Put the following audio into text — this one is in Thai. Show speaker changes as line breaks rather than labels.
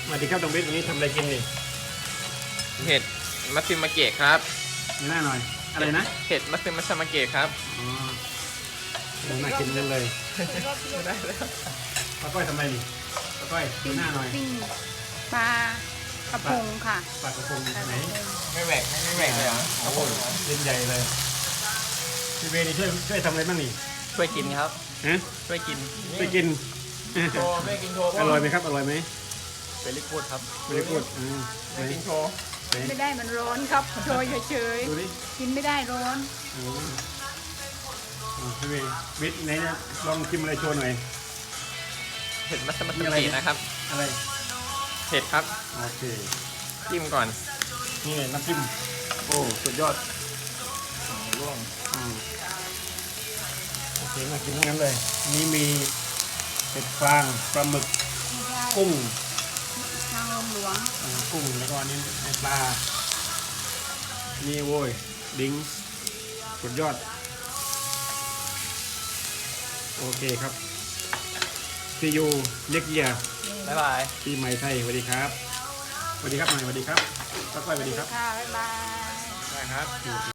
สวัสดีครับน้องเบสวันนี้ทำอะไรกินนี่
เห็ดมัตสึมาเกะครับ
มีหน้าหน่อยอะไรนะ
เห็ดมัตสึมัชมาเกะครับ
อ๋อน่ากินจังเลย
ได้แล้ว
ป้าก้อยทำไมนี่ป้าก้อยดูหน้าหน่อย
ปิ้งปลากระพงค่ะ
ปลากระพงไหน
ไม่แหวกเลยเหรอ
โอ้โหเส้นใหญ่เลยพี่เบสนี่ช่วยทำอะไรบ้างนี่
ช่วยกินครับ
ฮะ
ช่วยกิน
ไปกิน
โชว์ช่วยกินโชว์
อร่อยไหมครับอร่อยไหม
เป็นลิควิดครับ
ไม่ได้พูดไหน
ช่วยกินโชว์
ไหน
ไม่ได้มันร้อนครับโชยเฉย
ดูดิ
ๆกินไม่ได้ร้อน
โอ้พี่เบสเบสไหนเนี่ยลองชิมอะไรโชว์หน่อย
เห็ดมัตสึมา
มีอะไร
เกะนะครับ
อะไร
เห็ดครับ
โอเค
จิ้มก่อน
นี่น้ำจิ้มโอ้สุดยอด
ร่วง
อืมโอเคมากินทั้งนั้นเลยนี่มีเห็ดฟางปลาหมึก
ไม่ได้
กุ้ง
ทางลมหลวง
กุ้งแล้วก็อันนี้ปลานี่โว้ยดิ้งสุดยอดโอเคครับซียูเล็กเยีย
บ๊ายบาย
ปีใหม่ไทยสวัสดีครับสวัสดีครับหน่อยสวัสดีครับป้าก้อยสวัสดีครับ
ค่ะบ๊ายบาย
ได้ครับ